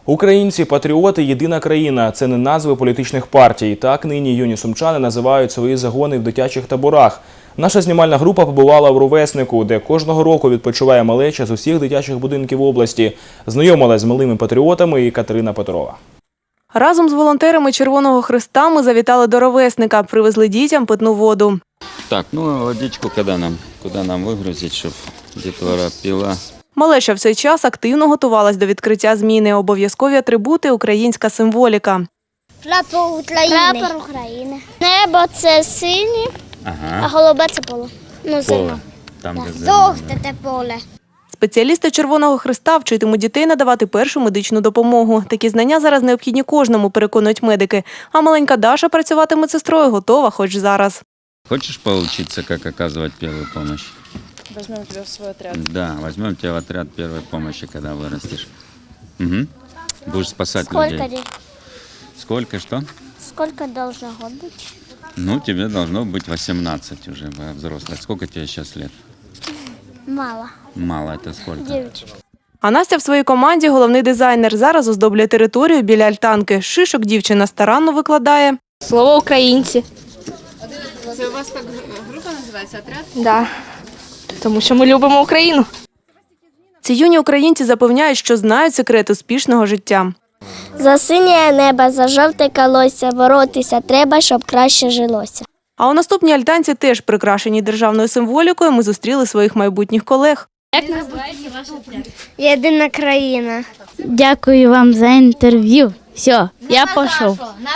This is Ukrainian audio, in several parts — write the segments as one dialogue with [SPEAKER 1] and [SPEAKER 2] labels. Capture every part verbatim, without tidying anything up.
[SPEAKER 1] Українці, патріоти, єдина країна – це не назви політичних партій. Так нині юні сумчани називають свої загони в дитячих таборах. Наша знімальна група побувала в Ровеснику, де кожного року відпочиває малеча з усіх дитячих будинків області. Знайомилась з малими патріотами і Катерина Петрова.
[SPEAKER 2] Разом з волонтерами Червоного Хреста ми завітали до Ровесника, привезли дітям питну воду.
[SPEAKER 3] Так, ну водичку куди нам, куди нам вигрузити, щоб дітвора пила.
[SPEAKER 2] Малеча в цей час активно готувалась до відкриття зміни. Обов'язкові атрибути – українська символіка.
[SPEAKER 4] Прапор України. Прапор України. Небо – це синє,
[SPEAKER 3] Ага.
[SPEAKER 4] а голубе – це поле. Ну, зима.
[SPEAKER 3] Там,
[SPEAKER 4] Так.
[SPEAKER 3] де зелено.
[SPEAKER 4] Жовте – це поле.
[SPEAKER 2] Спеціалісти Червоного Хреста вчитимуть дітей надавати першу медичну допомогу. Такі знання зараз необхідні кожному, переконують медики. А маленька Даша працювати медсестрою готова хоч зараз.
[SPEAKER 3] Хочешь поучиться, как оказывать первую помощь?
[SPEAKER 5] Возьмем тебя в свой отряд.
[SPEAKER 3] Да, возьмем тебя в отряд первой помощи, когда вырастешь. Угу. Будешь спасать
[SPEAKER 4] Сколько
[SPEAKER 3] людей.
[SPEAKER 4] дней?
[SPEAKER 3] Сколько, что?
[SPEAKER 4] Сколько должно год быть?
[SPEAKER 3] Ну, тебе должно быть восемнадцать уже, взрослых. Сколько тебе сейчас лет?
[SPEAKER 4] Мало.
[SPEAKER 3] Мало, это сколько?
[SPEAKER 4] Девять.
[SPEAKER 2] А Настя в своїй команді – головний дизайнер. Зараз оздоблює територію біля альтанки. Шишок дівчина старанно викладає.
[SPEAKER 6] Слово українці.
[SPEAKER 5] Це у вас так група називається «Отряд»?
[SPEAKER 6] Да. Тому що ми любимо Україну.
[SPEAKER 2] Ці юні українці запевняють, що знають секрет успішного життя.
[SPEAKER 4] За синє небо, за жовте колосся, боротися треба, щоб краще жилося.
[SPEAKER 2] А у наступній альтанці, теж прикрашеній державною символікою, ми зустріли своїх майбутніх колег.
[SPEAKER 6] Як називається ваш отряд?
[SPEAKER 4] Єдина країна.
[SPEAKER 6] Дякую вам за інтерв'ю. Все, я пішов.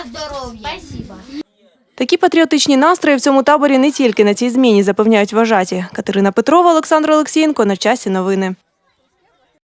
[SPEAKER 2] Такі патріотичні настрої в цьому таборі не тільки на цій зміні, запевняють вважаті. Катерина Петрова, Олександр Олексієнко. На часі новини.